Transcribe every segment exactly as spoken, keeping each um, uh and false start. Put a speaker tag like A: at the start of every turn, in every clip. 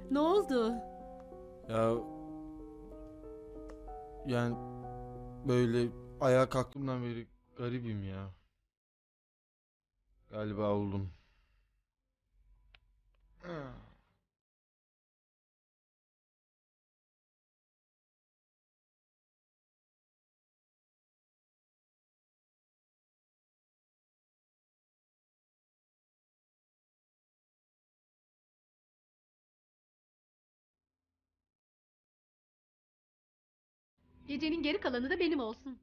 A: Ne oldu?
B: Ya yani böyle ayağa kalktığımdan beri garibim ya. Galiba oldum.
A: Gecenin geri kalanı da benim olsun.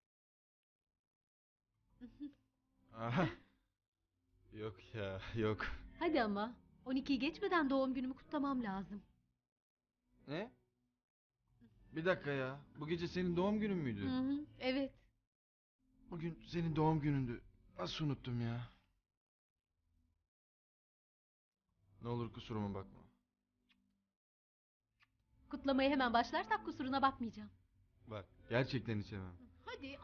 B: Aha, yok ya, yok.
A: Hadi ama. on ikiyi geçmeden doğum günümü kutlamam lazım.
B: Ne? Bir dakika ya. Bu gece senin doğum günün müydü?
A: Hı hı, evet.
B: Bugün senin doğum günündü. Nasıl unuttum ya? Ne olur kusuruma bakma.
A: Kutlamaya hemen başlarsak kusuruna bakmayacağım.
B: Bak, gerçekten içemem.
A: Hadi.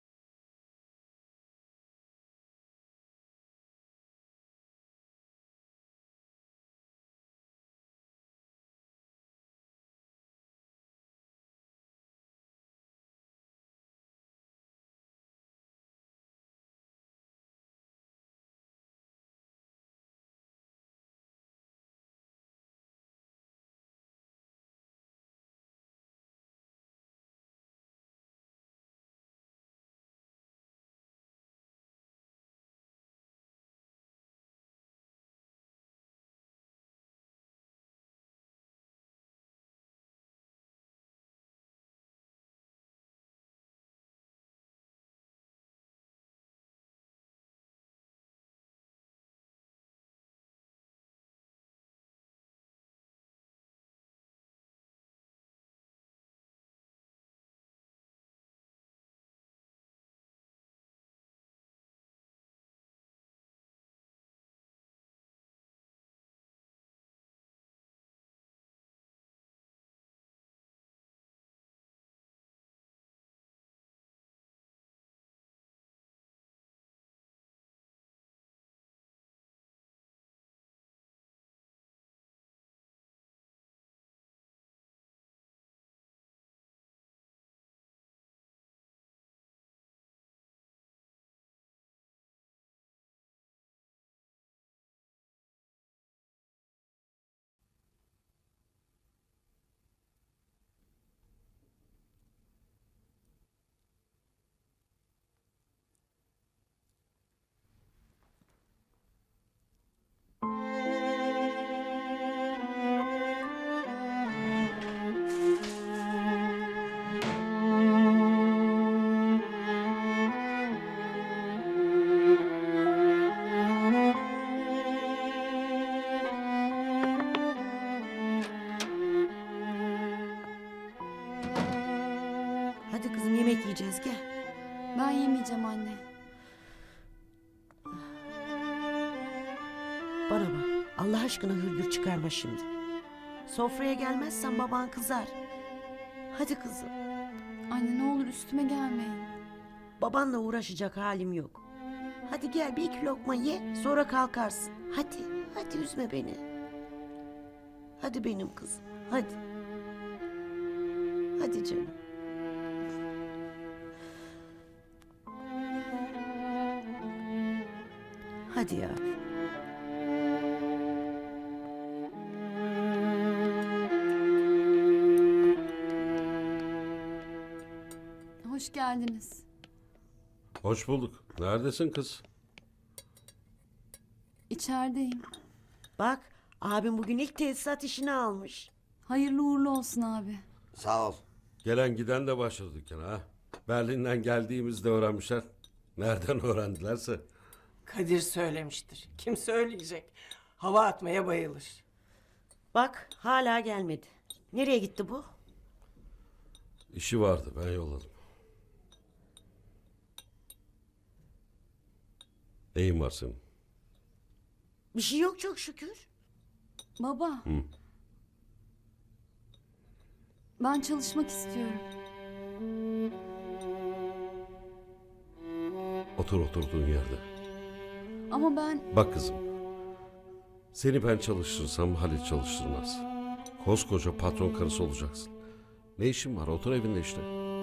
C: Hadi kızım yemek yiyeceğiz gel.
D: Ben yemeyeceğim anne.
C: Bana bak Allah aşkına hırgür çıkarma şimdi. Sofraya gelmezsen baban kızar. Hadi kızım.
D: Anne ne olur üstüme gelmeyin.
C: Babanla uğraşacak halim yok. Hadi gel bir iki lokma ye sonra kalkarsın. Hadi hadi üzme beni. Hadi benim kızım hadi. Hadi canım. Hadi ya.
D: Hoş geldiniz.
E: Hoş bulduk. Neredesin kız?
D: İçerideyim.
C: Bak abim bugün ilk tesisat işini almış.
D: Hayırlı uğurlu olsun abi.
F: Sağ ol.
E: Gelen giden de başladı dükkana ha. Berlin'den geldiğimizde öğrenmişler. Nereden öğrendilerse.
F: Kadir söylemiştir. Kim söyleyecek? Hava atmaya bayılır.
C: Bak hala gelmedi. Nereye gitti bu?
E: İşi vardı, ben yolladım. Neyin var senin?
C: Bir şey yok çok şükür.
D: Baba.
E: Hı.
D: Ben çalışmak istiyorum.
E: Otur oturduğun yerde.
D: Ama ben
E: Bak kızım. Seni ben çalıştırsam Halit çalıştırmaz. Koskoca patron karısı olacaksın. Ne işin var? Otur evinde işte.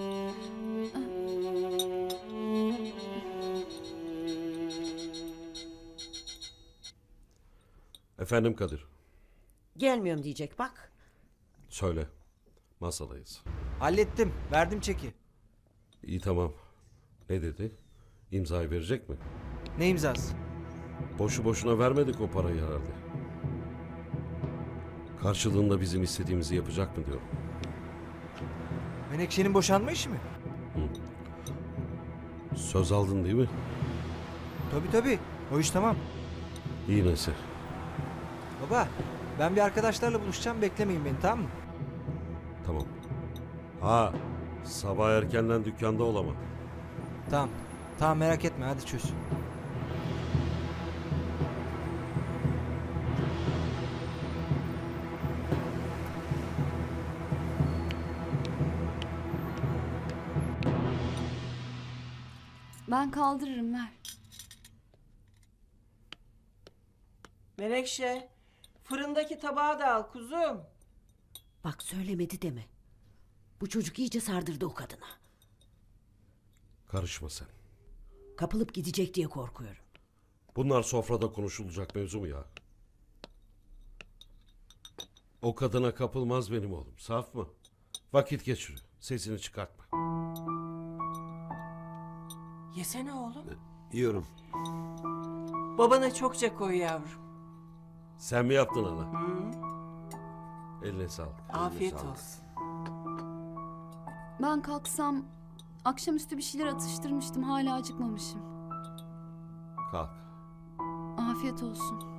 E: Efendim Kadir.
C: Gelmiyorum diyecek bak.
E: Söyle. Masadayız.
G: Hallettim. Verdim çeki.
E: İyi tamam. Ne dedi? İmzayı verecek mi?
G: Ne imzası?
E: Boşu boşuna vermedik o parayı herhalde. Karşılığında bizim istediğimizi yapacak mı diyorum.
G: Menekşe'nin boşanma işi mi?
E: Söz aldın değil mi?
G: Tabii tabii. O iş tamam.
E: İyi neyse.
G: Baba ben bir arkadaşlarla buluşacağım. Beklemeyin beni, tamam mı?
E: Tamam. Ha, sabah erkenden dükkanda olamam.
G: Tamam. Tamam, merak etme, hadi çöz.
D: Ben kaldırırım, ver.
F: Menekşe, fırındaki tabağı da al kuzum.
C: Bak söylemedi deme. Bu çocuk iyice sardırdı o kadına.
E: Karışma sen.
C: Kapılıp gidecek diye korkuyorum.
E: Bunlar sofrada konuşulacak mevzu mu ya? O kadına kapılmaz benim oğlum. Saf mı? Vakit geçiriyor. Sesini çıkartma.
F: Yesene oğlum.
E: Yiyorum.
F: Babana çokça koy yavrum.
E: Sen mi yaptın ana?
F: Hı?
E: Eline sağlık. Eline
F: Afiyet
E: sağlık.
F: olsun.
D: Ben kalksam akşamüstü bir şeyler atıştırmıştım. Hala acıkmamışım.
E: Kalk.
D: Afiyet olsun.